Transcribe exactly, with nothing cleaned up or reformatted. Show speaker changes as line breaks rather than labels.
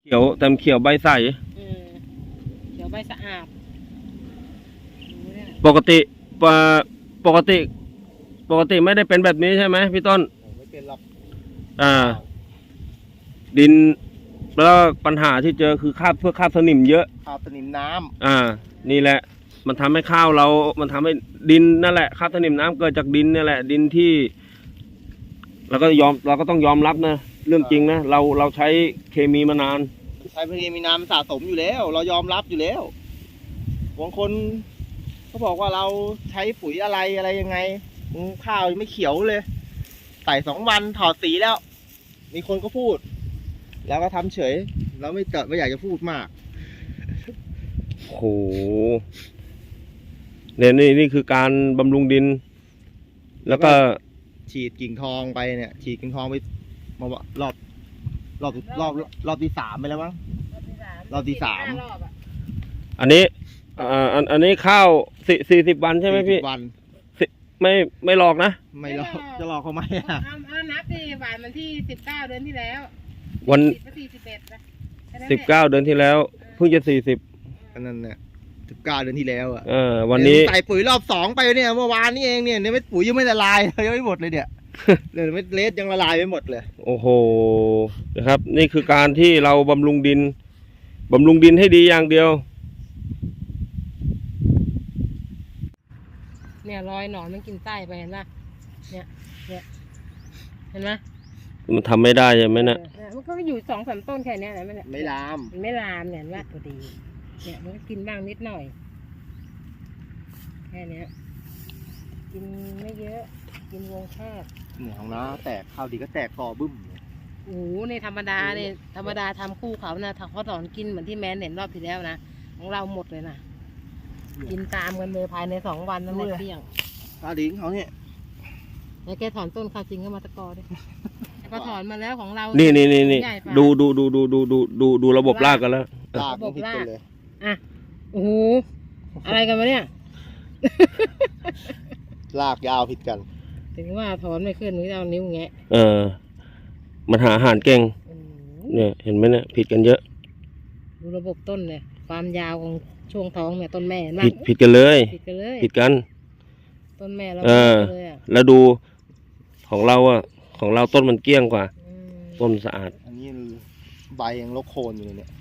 ขียวแต่เขียวใบใส
เออเขียวใบสะอาด
ปกติปกปกติปกติไม่ได้เป็นแบบนี้ใช่ไหมพี่ต้น
ไม่เป็นหรอก
อ่าดินแล้วปัญหาที่เจอคือคราบเพื่อคราบสนิมเยอะ
คราบสนิมน้ำ
อ่านี่แหละมันทำให้ข้าวเรามันทำให้ดินนั่นแหละคราบสนิมน้ำเกิดจากดินนี่แหละดินที่เราก็ยอมเราก็ต้องยอมรับนะเรื่องจริงนะเราเราใช้เคมีมานาน
ใช้เคมีน้ำสะสมอยู่แล้วเรายอมรับอยู่แล้วบางคนเขาบอกว่าเราใช้ปุ๋ยอะไรอะไรยังไงข้าวไม่เขียวเลยใส่สองวันถอดสีแล้วมีคนก็พูดแล้วก็ทำเฉยเราไม่เกิดไม่อยากจะพูดมาก
โหเนี่ยนี่นี่คือการบำรุงดินแล้วก็
ฉีดกิ่งทองไปเนี่ยฉีดกิ่งทองไปมารอบรอบรอบรอบที่สามไปแล้วมั้งรอบที่สาม
อันนี้อ่าอันอันนี้ข้าวสี่สี่สิบวันใช่ไหมพี่
วัน
ไม่ไม่หลอกนะ
ไม่หลอกจะหลอกเขาไหมอ่ะ
เอานับดิวันมันที่สิบเก้าเดือนที่แล้ว
วัน
สี่สิบเอ็ด
สิบเก้าเดือนที่แล้วเพิ่งจะสี่สิบ
นั่นเนี่ยสิบเก้าเดือนที่แล้วอ่ะ
เออวันนี้
ใส่ปุ๋ยรอบสองไปเนี่ยเมื่อวานนี้เองเนี่ยเนี่ยไม่ปุ๋ยยังไม่ละลายยังไม่หมดเลยเนี่ยเลยไม่เลสยังละลายไม่หมดเลย
โอ้โหนะครับนี่คือการที่เราบำรุงดินบำรุงดินให้ดีอย่างเดียว
เนี่ยรอยหนอนมันกินไส้ไปเห็นป่ะเนี่ยเนี่ยเห็นไหม
มันทำไม่ได้ใช่ไหมเนี่ย
มันก็อยู่สองสามต้นแค่นี้แหละไม่
ไม่ลาม
มันไม่ลามเนี่ยว่าพอดีเนี่ยมันก็กินบ้างนิดหน่อยแค่นี้กินไม่เยอะกินวงแคบ
เนี่ยของน้าแตกข้าวดีก็แตกคอบึ้ม
โอ้โหในธรรมดาเนี่ยธรรมดาทำคู่เขานะเขาถอนกินเหมือนที่แมนเห็นรอบที่แล้วนะของเราหมดเลยนะกินตามกันเลยภายในสองวันนั่นแหละเที่ยง
ข้าวดีของเขาเนี่ย
แล้วแกถอนต้นข้าวจริงก็มาตะกอด้วยก็ถอนมาแล้วของเรา
นี่นี่นี่นี่ดูดูดูดูดูดูดูดูระบบรากกันแล้ว
ระบบรากเลย
อ่ะโอ้โหอะไรกันวะเนี่ย
รากยาวผิดกัน
ถึงว่าถอนไม่ขึ้นนี่เอานิ้วแงะ
เออมันหาอาหารเก่งเนี่ยเห็นไหมเนี่ยผิดกันเยอะ
ดูระบบต้นเนี่ยความยาวของช่วงท้องเนี่ยต้นแม่
ผิดผิดกันเลย
ผิดกันเลย
ผิดกัน
ต้นแม่เรา
เลยอ่ะแล้วดูของเราอ่ะของเราต้นมันเกลี้ยงกว่าต้นสะอาด
อันนี้ใบยังรกโคนอยู่เลยเนี่ย